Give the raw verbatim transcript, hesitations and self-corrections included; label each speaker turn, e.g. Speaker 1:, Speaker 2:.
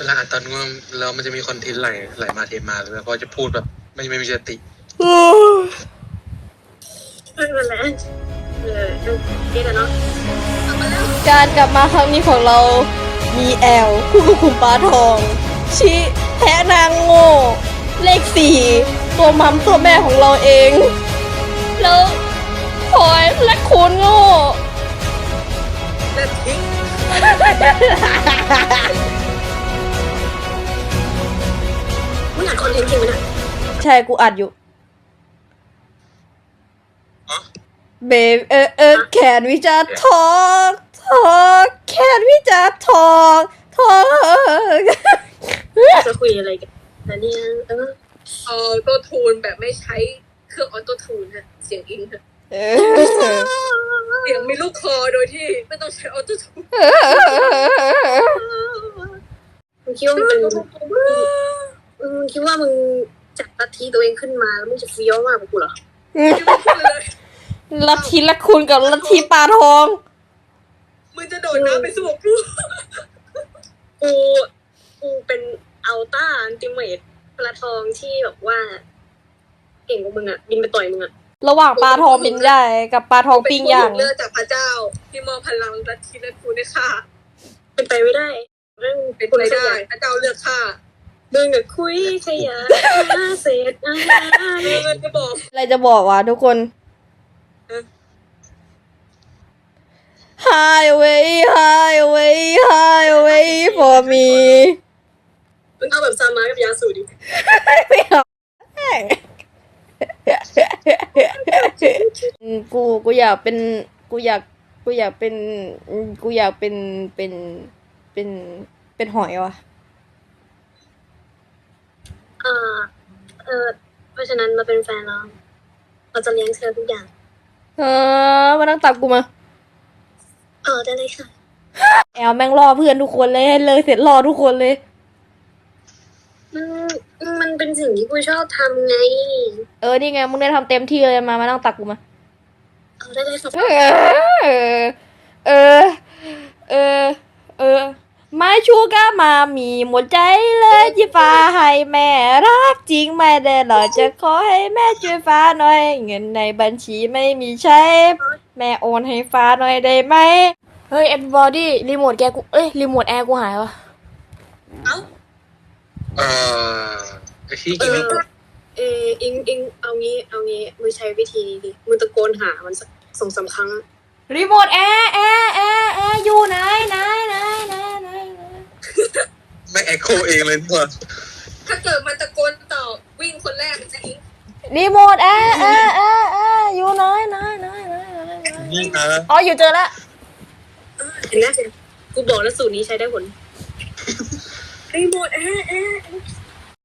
Speaker 1: ลาอ่านตอนง่วงแล้วมันจะมีคอนเทนต์ไหลไหลมาเทมาแล้วก็จะพูดแบบไม่ไม่มีสติ
Speaker 2: ไม่เป็นไรเออเด็กอะเนาะ
Speaker 3: การกลับมาครั้งนี้ของเรามีแอลคู่กับคุณป้าทอง ชิแพะนางโง่เลขสี่ตัวมัมตัวแม่ของเราเอง แล้วพลอยและคุณโง่
Speaker 2: เลิกทิ้งมึงอ่านคอนเทนต์จริงไหมเนี่ย
Speaker 3: ใช่กูอัดอยู่เบฟเออเออแขนวิจารทอกทอกแขนวิจารทอกทอก
Speaker 2: จะคุยอะไรกันแต่เนี่ยเออออโต้ทูนแบบไม่ใช้เครื่องออโต้ทูนฮะเสียงอินฮะเสียงมีลูกคอโดยที่ไม่ต้องใช้ออโต้ทูนมึงคิดว่ามึงเป็นมึงคิดว่ามึงจัดลัทธิตัวเองขึ้นมาแล้วมึงจะเฟี้ยวมากกว่ากูเหรอ
Speaker 3: ลัทธิละคุณกับลัทธิปลาทอง
Speaker 2: มึงจะโดดน้ำไปสู้กับกูกูกูเป็นอัลต้าอันติเมทปลาทองที่แบบว่าเก่งกว่ามึงอ่ะบินไปต่อยมึงอ่ะ
Speaker 3: ระหว่างปลาทองบินใหญ่กับปลาทองปิ้งย่าง
Speaker 2: เลือกจากพระเจ้าที่มอบพลังลัทธิและกูได้ค่ะเป็นไปไม่ได้เรื่องเป็นไปได้พระเจ้าเลือกค่ะมึงกับคุยขยะเศษอาหารมึงจะบอก
Speaker 3: อะไรจะบอกวะทุกคน Highway Highway Highway for me
Speaker 2: มึงเอาแบบซามากับยาสูดิ
Speaker 3: ไม่เอากูกูอยากเป็นกูอยากกูอยากเป็นกูอยากเป็นเป็นเป็นเป็นหอยวะ
Speaker 2: อ่าเออเพราะฉะนั้นเราเป็นแฟนเราเราจะเลี้ยงเธอทุกอย่าง
Speaker 3: เออมานั่งตักกูมา
Speaker 2: เออได้เลยค่ะ
Speaker 3: แอลแม่งรอเพื่อนทุกคนเลยให้เลยเสร็จรอทุกคนเลย
Speaker 2: มันมันเป็นสิ่งที่กูชอบทำไง
Speaker 3: เออนี่ไงมึงได้ทำเต็มที่เลยมามานั่งตักกูมา
Speaker 2: เออได้เลยค่ะ
Speaker 3: เออเออเออเออไม่ชูก้ามามีหมดใจเลยที่ฟ้าให้แม่รักจริงไม่ได้หรอกจะขอให้แม่ช่วยฟ้าหน่อยเงินในบัญชีไม่มีใช้แม่โอนให้ฟ้าหน่อยได้ไหมเฮ้ย everybody รีโมทแกกูเอ้ยรีโมทแอร์กูหายวะ
Speaker 2: เอ้า
Speaker 1: เอ่อไอ้ที่กินไม่หมด
Speaker 2: เอออิงอิงเอางี้เอางี้มึงใช้วิธีนี้ดิมึงตะโกนหามันสักสองสามครั้ง
Speaker 3: รีโมทแอร์แอร์แอร์แอร์อยู่ไหนไหนไหนไหนไหน
Speaker 1: ไม่แอคโคเองเลยนี่หว่า
Speaker 2: ถ้าเกิดมันตะโกนต่อวิ่งคนแรกจะอิง
Speaker 3: รีโมทแอร์แอร์แอร์แอร์อยู่ไหนไหนไหนไหน
Speaker 1: นี่นะ
Speaker 3: อ๋ออยู่เจอแล้ว
Speaker 2: เห็นไหมกูบอกแล้วสูตรนี้ใช้ได้ผลรีโมทแอร์แอร์